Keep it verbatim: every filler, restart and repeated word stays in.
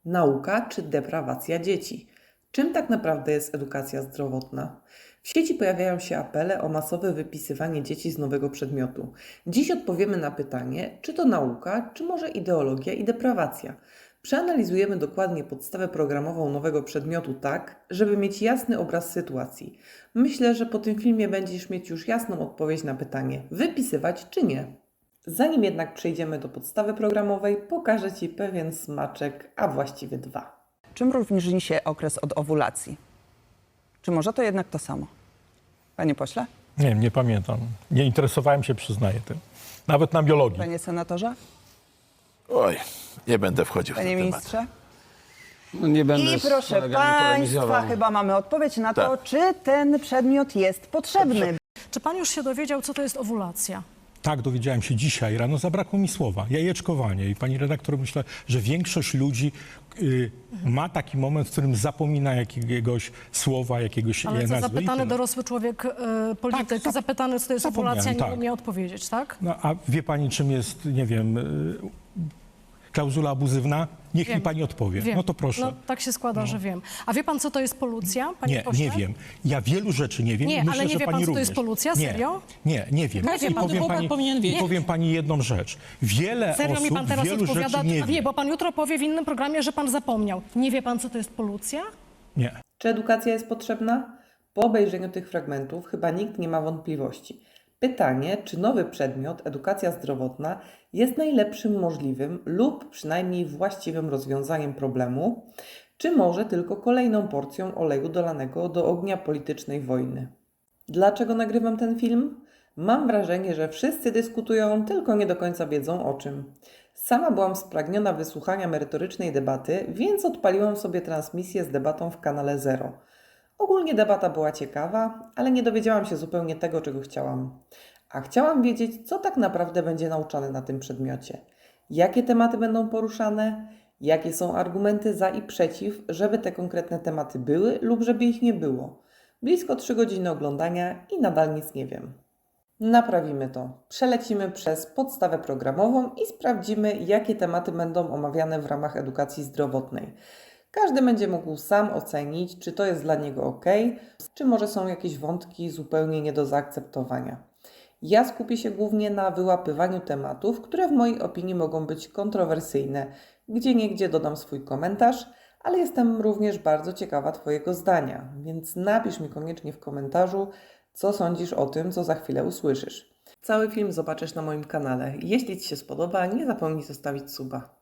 Nauka czy deprawacja dzieci? Czym tak naprawdę jest edukacja zdrowotna? W sieci pojawiają się apele o masowe wypisywanie dzieci z nowego przedmiotu. Dziś odpowiemy na pytanie, czy to nauka, czy może ideologia i deprawacja. Przeanalizujemy dokładnie podstawę programową nowego przedmiotu tak, żeby mieć jasny obraz sytuacji. Myślę, że po tym filmie będziesz mieć już jasną odpowiedź na pytanie, wypisywać czy nie. Zanim jednak przejdziemy do podstawy programowej, pokażę Ci pewien smaczek, a właściwie dwa. Czym różni się okres od owulacji? Czy może to jednak to samo? Panie pośle? Nie wiem, nie pamiętam. Nie interesowałem się, przyznaję tym. Nawet na biologii. Panie senatorze? Oj, nie będę wchodził w Panie ten temat. ministrze? No nie będę I z proszę kolegami Państwa, polemizował. chyba mamy odpowiedź na to, Tak. czy ten przedmiot jest potrzebny. Czy pan już się dowiedział, co to jest owulacja? Tak, dowiedziałem się dzisiaj rano, zabrakło mi słowa. Jajeczkowanie. I pani redaktor, myślę, że większość ludzi y, ma taki moment, w którym zapomina jakiegoś słowa, jakiegoś Ale nazwy. co, i zapytany tyle. dorosły człowiek, y, polityk, Tak, zap- zapytany, co to jest zapomniałem, owulacja, nie tak. umie odpowiedzieć, tak? No, a wie pani, czym jest, nie wiem, y, klauzula abuzywna? Niech Wiem. mi pani odpowie. Wiem. No to proszę. No, tak się składa, że wiem. A wie pan, co to jest polucja, panie Nie, pośle? nie wiem. Ja wielu rzeczy nie wiem. Nie, i myślę, ale nie że wie pan, pani co to jest również. polucja? Nie, Serio? Nie, nie wiem. Jak wie I pan? powiem To pani, powinien wiedzieć. i powiem pani jedną rzecz. Wiele Serio osób mi pan teraz wielu odpowiada? rzeczy nie A wie. wie, bo pan jutro powie w innym programie, że pan zapomniał. Nie wie pan, co to jest polucja? Nie. Czy edukacja jest potrzebna? Po obejrzeniu tych fragmentów chyba nikt nie ma wątpliwości. Pytanie, czy nowy przedmiot, edukacja zdrowotna, jest najlepszym możliwym lub przynajmniej właściwym rozwiązaniem problemu, czy może tylko kolejną porcją oleju dolanego do ognia politycznej wojny. Dlaczego nagrywam ten film? Mam wrażenie, że wszyscy dyskutują, tylko nie do końca wiedzą o czym. Sama byłam spragniona wysłuchania merytorycznej debaty, więc odpaliłam sobie transmisję z debatą w kanale Zero. Ogólnie debata była ciekawa, ale nie dowiedziałam się zupełnie tego, czego chciałam. A chciałam wiedzieć, co tak naprawdę będzie nauczane na tym przedmiocie. Jakie tematy będą poruszane, jakie są argumenty za i przeciw, żeby te konkretne tematy były lub żeby ich nie było. Blisko trzy godziny oglądania i nadal nic nie wiem. Naprawimy to. Przelecimy przez podstawę programową i sprawdzimy, jakie tematy będą omawiane w ramach edukacji zdrowotnej. Każdy będzie mógł sam ocenić, czy to jest dla niego ok, czy może są jakieś wątki zupełnie nie do zaakceptowania. Ja skupię się głównie na wyłapywaniu tematów, które w mojej opinii mogą być kontrowersyjne. Gdzieniegdzie dodam swój komentarz, ale jestem również bardzo ciekawa Twojego zdania, więc napisz mi koniecznie w komentarzu, co sądzisz o tym, co za chwilę usłyszysz. Cały film zobaczysz na moim kanale. Jeśli Ci się spodoba, nie zapomnij zostawić suba.